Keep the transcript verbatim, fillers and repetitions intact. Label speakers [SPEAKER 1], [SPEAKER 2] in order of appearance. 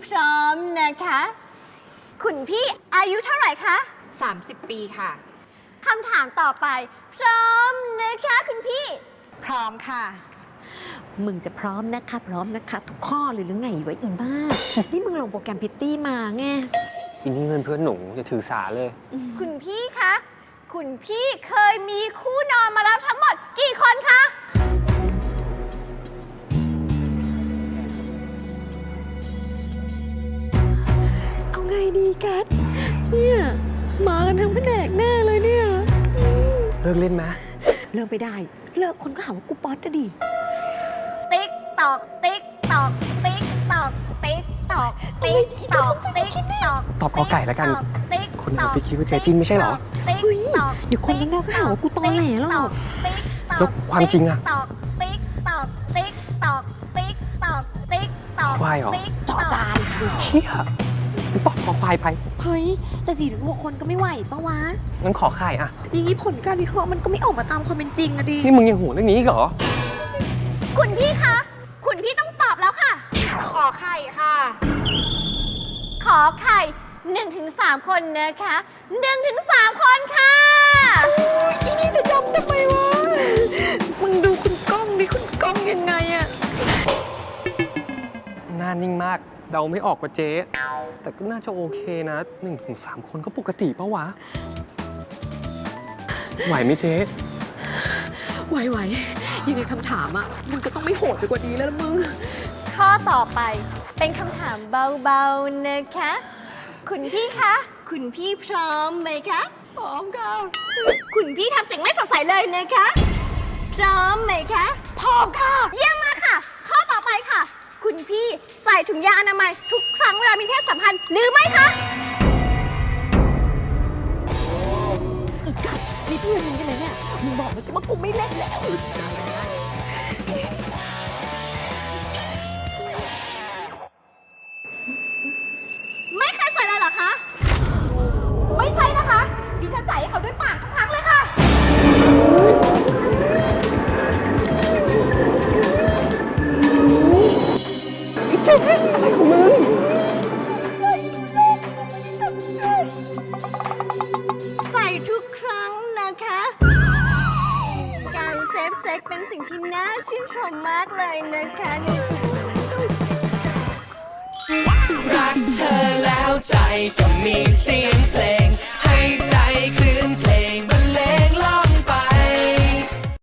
[SPEAKER 1] พร้อมนะคะ คุณพี่อายุเท่าไหร่คะ
[SPEAKER 2] สามสิบปีค่ะ
[SPEAKER 1] คำถามต่อไปพร้อมนะคะคุณพี่
[SPEAKER 2] พร้อมค่ะ
[SPEAKER 3] มึงจะพร้อมนะคะพร้อมนะคะทุกข้อเลยหรือไงวะอีบ้า นี่มึงลงโปรแกรมพิตตี้มาไง
[SPEAKER 4] อินนี่เงินเพื่อนหนูอย่าถือสาเลย
[SPEAKER 1] คุณพี่คะคุณพี่เคยมีคู่นอนมาแล้วทั้งหมดกี่คนคะ
[SPEAKER 3] เอาไงดีกัสเนี่ยมากันทั้งแผนกแน่เลยเนี่ย
[SPEAKER 4] เลิกเล่นไหม
[SPEAKER 3] เลิกไปได้เลิกคนก็หาว่ากูป๊อตอะดิ
[SPEAKER 1] ติ๊กตอกติ๊กตอกติ๊กตอกติ๊กตอกติ๊กตอกติ๊กตอก
[SPEAKER 4] ตอบกอไก่แล้วกันคนเราไปคิดว่าเจจิ้นไม่ใช่หรอ
[SPEAKER 3] เฮ้ยเดี๋ยวคนข้างนอกก็หาว่ากูตอแหลหรอก
[SPEAKER 4] แล้วความจริงอะ
[SPEAKER 1] ติ๊กตอกติ๊กตอกติ๊กตอกติ๊กตอก
[SPEAKER 4] ควายเหรอ
[SPEAKER 3] จอจาน
[SPEAKER 4] เชี่ยมึงตอบคอควายไป
[SPEAKER 3] เฮ้ยแต่สี่ถึงหกคนก็ไม่ไหวปะวะ
[SPEAKER 4] งั้นขอไข่อะ
[SPEAKER 3] อย่างนี้ผลการวิเคราะห์มันก็ไม่ออกมาตามความเป็นจริงอะดิ
[SPEAKER 4] นี่มึงยังห่วงเรื่องนี้เหรอ
[SPEAKER 1] คุณพี่คะคุณพี่ต้องตอบแล้วค่ะ
[SPEAKER 2] ขอไข่ค่ะ
[SPEAKER 1] ขอไข่หนึ่งถึงสามคนนะคะหนึ่งถึงสามคนค่ะ
[SPEAKER 3] อีนี่จะยอมทำไมวะมึงดูคุณก้องดิคุณก้องยังไงอะ
[SPEAKER 4] หน้านิ่งมากเดาไม่ออกว่าเจ๊แต่ก็น่าจะโอเคนะหนึ่งถึงสามคนก็ปกติปะวะไหวไหมเจ๊
[SPEAKER 3] ไหวไหวยังไงคำถามอ่ะมันก็ต้องไม่โหดไปกว่านี้แล้วละมึง
[SPEAKER 1] ข้อต่อไปเป็นคำถามเบาๆนะคะคุณพี่คะคุณพี่พร้อมไหมคะ
[SPEAKER 3] พร้อมค่ะ
[SPEAKER 1] คุณพี่ทำเสียงไม่สดใสเลยนะคะพร้อมไหมคะ
[SPEAKER 3] พร้อมค่ะ
[SPEAKER 1] เยี่ยมมากค่ะข้อต่อไปค่ะคุณพี่ใส่ถุงยางอนามัยทุกครั้งเวลามีเพศสัมพันธ์หรือไม่คะ
[SPEAKER 3] อีกกัดนี่เพื่อนมึงกันเลยเนี่ยมึงบอกมาสิว่ากูไม่เล่นแล้ว
[SPEAKER 1] ไม่เคยใส่เลยเหรอคะไม่ใช่นะคะดิฉันใส่ให้เขาด้วยปากทุกครั้งเลยค่ะ
[SPEAKER 4] อะไรของมึง
[SPEAKER 1] ใส่ทุกครั้งนะคะการเซฟเซ็กเป็นสิ่งที่น่าชื่นชมมากเลยนะคะในชีวิต
[SPEAKER 5] รักเธอแล้วใจก็มีเสียงเพลง